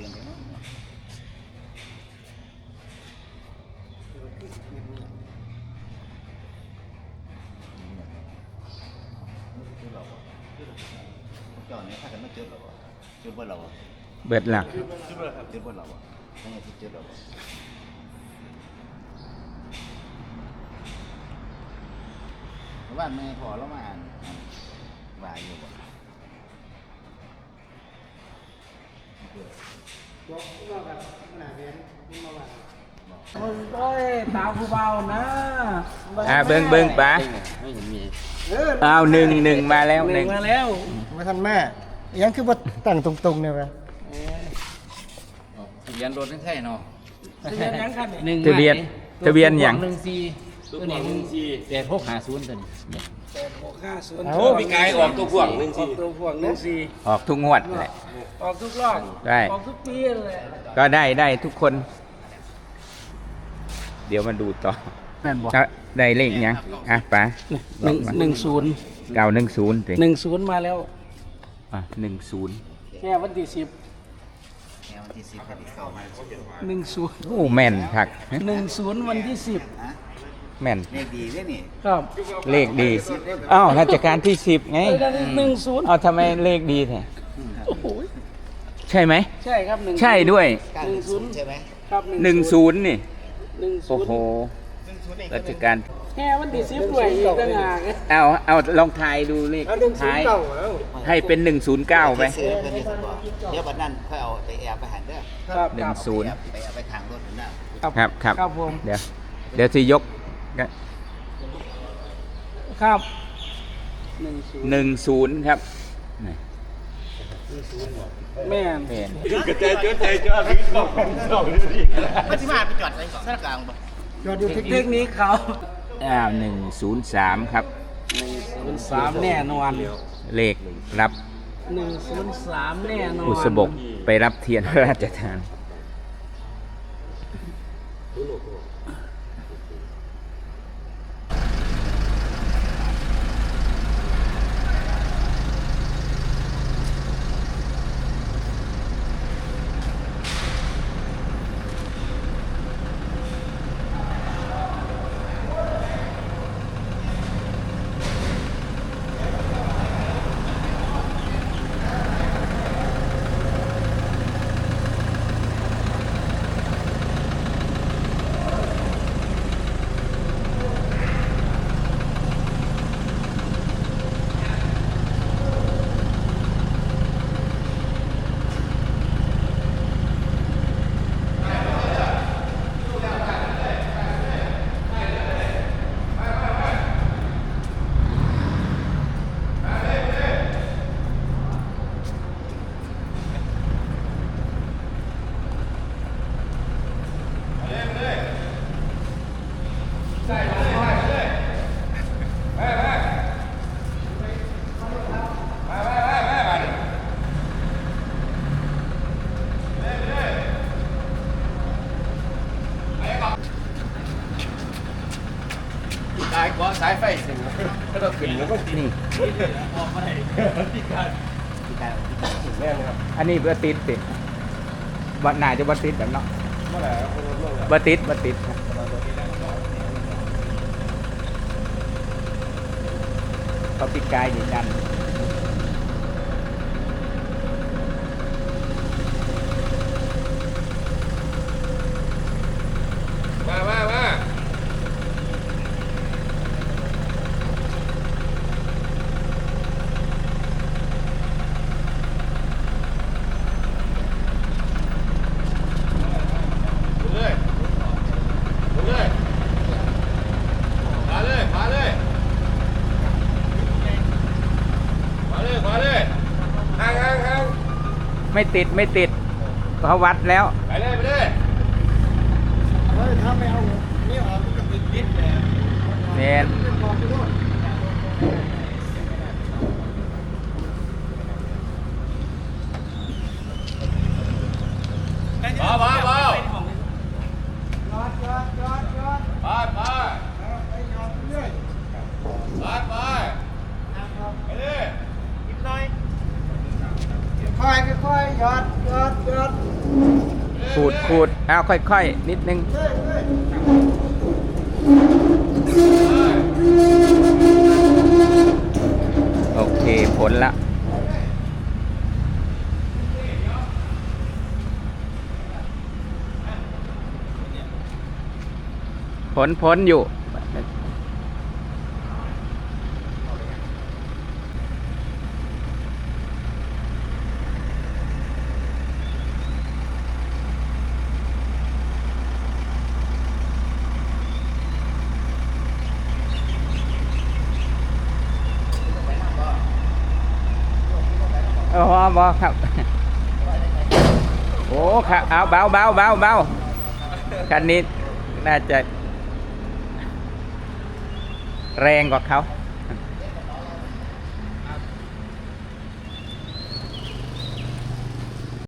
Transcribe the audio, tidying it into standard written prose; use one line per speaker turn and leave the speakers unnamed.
ดือนเดียวเจ้าเนี่ยถ้ากันไม่เจอเราเจอเบอร์เรา
เบิดหลัก
เจอเบอร์เราทั้งอาทิตย์เจอเราบ้านแม่พอแล้วมาบ่ายอยู่บ่
โอ้ยตาผู้เบานะ
เบิ้งป๋า
ไม่เห็นมี
เอาหนึ่งมาแล้วหนึ่ง
มาแล้ว
มาทันแม่ยังคือว่าตั้งตรงๆเนี่ยไป
ทะเบียนรถนั่นใช่เนาะ
ทะเบียนยังคัน
ทะเบียนอย่าง
ตัวนี้8-6-5-0ตัวนี้
8-6-5-0
เอา
พี่กายออกตัวพ่วง1-4
ตัวพ่วง1-4
ออกทุกงวดแหละ
ออกทุกรอบ
ได้
ออกทุกปีเลย
ก็ได้ทุกคน เดี๋ยวมาดูต่อ
แม่นบอก
ได้เลขยังป๋า
1-0
910สิ
1-0มาแล้ว
10
แค่วันที่10
แนวที่10กันที่เข้ามา
1-0
โอ้แม่นคัก
1-0วันที่
แม่น
เลขดีด้วยนี่
10ครับ
เลขดีอ้าวราชการที่10ไง
1-0
เอาทำไมเลขดีแท้
โอ้โห
ใช่ไหม
ใช่ครับ1
ใช่ด้วย
9-0ใช่ไหม
ครับ
10นี่
1-0
โอ้โหราชการ
แค่วันที่10ด้วยอีกต่างหาก
เอาลองทายดูเลขท้ายให้เป็น109ไป
ซื้อเพิ่นนี่สิบ่เดี๋ยวบัดนั้นค่อยเอาไปแอบไปหันเด้อ
ครับ
10
ไปเอาไปทางรถนั่น
ครับ
ครับผม
เดี๋ยวสิยก
ครับ
10ครับนี่
แม่น
แม่น
มันสิมาไปจอดไว้สนกลางบ่
ยอดอยู่เทค
เท
นิค
คนิคเขา
103ครับ
103แน่นอน
เลขรับ
103แน่นอน
บุษบกไปรับเทียนพระราชทาน
สายกว่าสายไฟสิก็ต้องขึ้นแล้วก็
นี่
ออกมาได้พี่การแม่นครับ
อันนี้บัติดสิบัน่าจะบัติดแบบเนาะ
เมื่อไหร่คนรถลง
บัติดครับเขาปิดกายยืนยัน
มาเลยมาเลยขวาเลยห่าง
ไม่ติดเขาวัดแล้ว
ไปเลย
เฮ้ยถ้าไม่เอานี่ออกมันก็ติดนิดแหละ
แมน
เป็นกองไปด้วย
เบา
จอด
ไป
ไปจอดเรื่อย
ไปเลย
นิดหน่อย
ไป
ค่อยๆค่อยๆหยอด
ขูดเอาค่อยๆนิดนึงโอเคผลละผลอยู่บอครับ โอ้ครับเอาเบาคันนี้น่าจะแรงกว่าเขา